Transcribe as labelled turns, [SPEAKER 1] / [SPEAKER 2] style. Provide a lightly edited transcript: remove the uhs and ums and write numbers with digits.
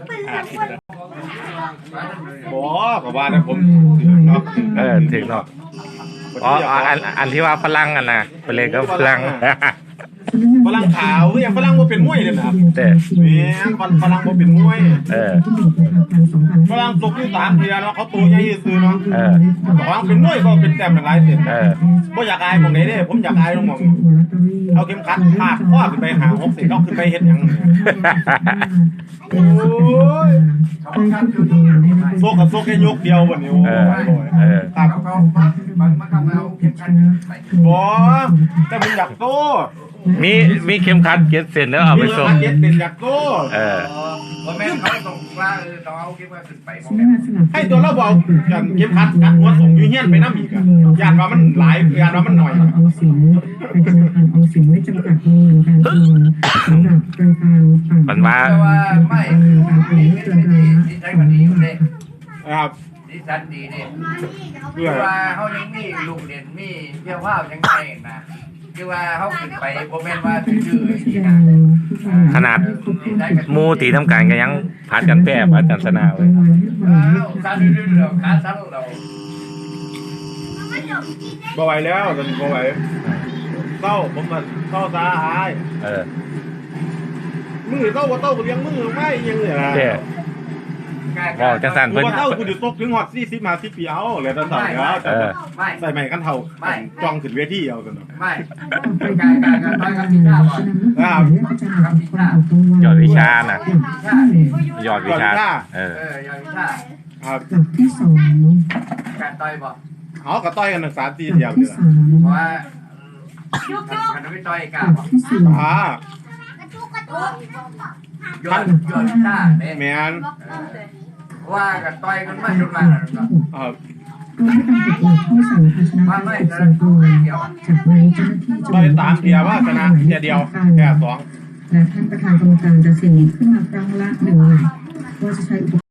[SPEAKER 1] บอกกับว่านะผมเนาะ
[SPEAKER 2] ถึงเนาะอ๋ออันที่ว่าฝรั่งอ่ะนะไปเลยก็ฝรั่ง
[SPEAKER 1] ฝรั่งขาวอย่างฝรั่งว่าเป็นมวยเลยนะ
[SPEAKER 2] แต่
[SPEAKER 1] เนี่ยฝรั่งว่าเป็นมวยฝรั่งตกที่3 เดือนเนาะเขาตัวใหญ่ซื้อเนาะฝรั่งเป็นมวยก็เป็นแต้มเป็นลายเสร็จก็อยากอายมองไหนเด้ผมอยากอายตรงมองเอาเข็มขัดพาดข้อขึ้นไปหา6 สิเขาขึ้นไปเห็นยังโอ้ยโซกกับโซกแค่ยกเดียววันนี้โอ้ยครับบอแต่ผมอยากโต
[SPEAKER 2] มีเข็มขัดเก็บเส้นแล้วเอาไปส่ง
[SPEAKER 1] เก็บเส้นอยากโต
[SPEAKER 3] แม่เขาส่งว่าต้องเอาเข็มขัดขึ้นไป
[SPEAKER 1] ให้ตัวเราบอกกันเข็มขัดกัดหัวส่งยูเฮียนไปน้ำอีกอะยานว่ามันหลายยานว่ามันหน่อย
[SPEAKER 4] ออมสินเป็นธนาคารออมสินไม่จำกัดวงเงินการโอนสำหรับธนาคาร
[SPEAKER 2] มันว่า
[SPEAKER 3] ไม่ดีใจกว่านี้อยู่เลย
[SPEAKER 1] ครับ
[SPEAKER 3] ดีสันดีเนี่ยคือว่าเขายังมีลูกเด่นมีเที่ยวว่าวยังไงนะคือว่าเขาขึ้นไปโมเมนต์ว่าชื่อ
[SPEAKER 2] ขนาดมูตีทำการก็ยังผ่านกันแปรผ่านกันสนาวเลย
[SPEAKER 3] สั้นเรื่อยๆขาสั้นเรา
[SPEAKER 1] บ่ไหวแล้วตอนนี้บ่ไหวเต้าผมมันเต้าตาหายมือเต้าว่าเต้าเลี้ยงมือไม่ยังเลยนะ
[SPEAKER 2] ก็จะสั่น
[SPEAKER 1] เพิ่นเต้าคุณอยู่ตกถึงหอด40 ปีเอาเลยตอนสั่นแล้วใส่ใหม่กันเท่าจ้องขึ้นเวทีเอากัน
[SPEAKER 3] ไม่การต่อยกับพิชาก่อน
[SPEAKER 1] ครับ
[SPEAKER 2] ยอดวิชานะยอดวิชาย
[SPEAKER 3] อดวิชา
[SPEAKER 1] ครับ
[SPEAKER 4] ที่2
[SPEAKER 3] การต่อยบอก
[SPEAKER 1] เขาก็ต่อยกัน1 3 4 เดียวนี่แหละ
[SPEAKER 3] เพราะว่าการไม่ต่อยกันบอกยอดวิชาเนี่ย
[SPEAKER 1] แมน
[SPEAKER 3] ว่ากันต่อยกันมาจนมา
[SPEAKER 1] ครับ
[SPEAKER 3] ว่าไม่จะต่อยเดียว
[SPEAKER 4] จากนั้นเจ้าหน้าที่
[SPEAKER 1] ต่อย3 เดียวว่าชนะเดียวแค่2
[SPEAKER 4] และท่านประธานกรรมการจะเสี่ยงขึ้นมาครั้งละ1 หมายว่าจะใช้